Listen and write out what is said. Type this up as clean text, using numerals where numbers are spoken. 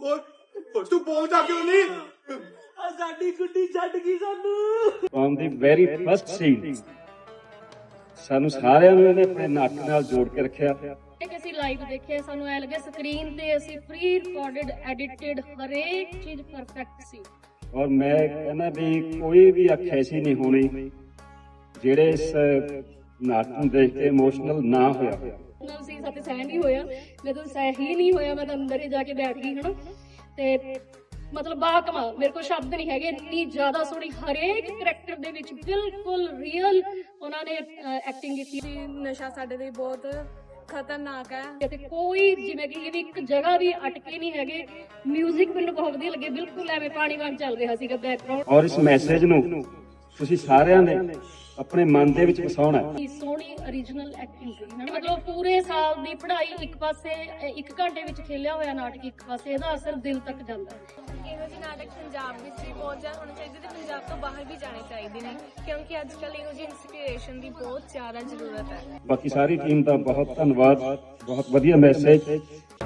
ਓਏ ਤੂੰ ਬੋਲਦਾ ਕਿਉਂ ਨਹੀਂ? ਸਾਡੀ ਗੁੱਡੀ ਛੱਡ ਗਈ ਸਾਨੂੰ। From the very first scene ਸਾਨੂੰ ਸਾਰਿਆਂ ਨੂੰ ਇਹਨੇ ਆਪਣੇ ਨੱਕ ਨਾਲ ਜੋੜ ਕੇ ਰੱਖਿਆ। ਕਿ ਅਸੀਂ ਲਾਈਵ ਦੇਖਿਆ, ਸਾਨੂੰ ਐ ਲੱਗਿਆ ਸਕਰੀਨ ਤੇ ਅਸੀਂ ਪ੍ਰੀ ਰਿਕਾਰਡਡ ਐਡੀਟਡ ਹਰੇਕ ਚੀਜ਼ ਪਰਫੈਕਟ ਸੀ। ਔਰ ਮੈਂ ਕਹਿੰਦਾ ਵੀ ਕੋਈ ਵੀ ਅੱਖ ਐਸੀ ਨਹੀਂ ਹੋਣੀ ਜਿਹੜੇ ਇਸ ਨਾਟਕ ਨੂੰ ਦੇਖ ਕੇ ਇਮੋਸ਼ਨਲ ਨਾ ਹੋਇਆ। ਨਾ ਸੀ ਸਾਥੇ ਸਹਿ ਨਹੀਂ ਹੋਇਆ, ਜਦੋਂ ਸਹਿ ਹੀ ਨਹੀਂ ਹੋਇਆ ਮੈਂ ਤਾਂ ਅੰਦਰ ਹੀ ਜਾ ਕੇ ਬੈਠ ਗਈ ਹਨਾ। ਤੇ ਮਤਲਬ ਬਾ ਕਮਾਲ, ਮੇਰੇ ਕੋਲ ਸ਼ਬਦ ਨਹੀਂ ਹੈਗੇ, ਇੰਨੀ ਜ਼ਿਆਦਾ ਸੋਹਣੀ ਹਰੇਕ ਕਰੈਕਟਰ ਦੇ ਵਿੱਚ ਬਿਲਕੁਲ ਰੀਅਲ ਉਹਨਾਂ ਨੇ ਐਕਟਿੰਗ ਕੀਤੀ। ਨਸ਼ਾ ਸਾਡੇ ਲਈ ਬਹੁਤ ਖਤਰਨਾਕ ਹੈ ਤੇ ਕੋਈ ਜਿਵੇਂ ਕਿ ਇਹ ਵੀ ਇੱਕ ਜਗ੍ਹਾ ਵੀ ਅਟਕੇ ਨਹੀਂ ਹੈਗੇ। ਮਿਊਜ਼ਿਕ ਮੈਨੂੰ ਬਹੁਤ ਵਧੀਆ ਲੱਗੇ, ਬਿਲਕੁਲ ਐਵੇਂ ਪਾਣੀ ਵਾਂਗ ਚੱਲ ਰਿਹਾ ਸੀਗਾ ਬੈਕਗ੍ਰਾਉਂਡ। ਔਰ ਇਸ ਮੈਸੇਜ ਨੂੰ ਤੁਸੀਂ ਸਾਰਿਆਂ ਨੇ ਆਪਣੇ ਮਨ ਦੇ ਵਿੱਚ ਵਸਾਉਣਾ ਹੈ। ਸੋਹਣੀ origignal ਐਕਟਿੰਗ ਸੀ, ਮਤਲਬ ਪੂਰੇ ਸਾਲ ਦੀ ਪੜ੍ਹਾਈ ਇੱਕ ਪਾਸੇ, 1 ਘੰਟੇ ਵਿੱਚ ਖੇਲਿਆ ਹੋਇਆ ਨਾਟਕ ਇੱਕ ਪਾਸੇ, ਇਹਦਾ ਅਸਰ ਦਿਲ ਤੱਕ ਜਾਂਦਾ ਹੈ। ਇਹੋ ਜਿਹੇ ਨਾਟਕ ਪੰਜਾਬ ਵਿੱਚ ਵੀ ਬਹੁਤ ਜ਼ਿਆਦਾ ਹੋਣੇ ਚਾਹੀਦੇ ਤੇ ਪੰਜਾਬ ਤੋਂ ਬਾਹਰ ਵੀ ਜਾਣੇ ਚਾਹੀਦੇ ਨੇ, ਕਿਉਂਕਿ ਅੱਜ ਕੱਲ੍ਹ ਇਹੋ ਜਿਹੀ ਇੰਸਪੀਰੇਸ਼ਨ ਦੀ ਬਹੁਤ ਜ਼ਿਆਦਾ ਜ਼ਰੂਰਤ ਹੈ। ਬਾਕੀ ਸਾਰੀ ਟੀਮ ਦਾ ਬਹੁਤ ਧੰਨਵਾਦ, ਬਹੁਤ ਵਧੀਆ ਮੈਸੇਜ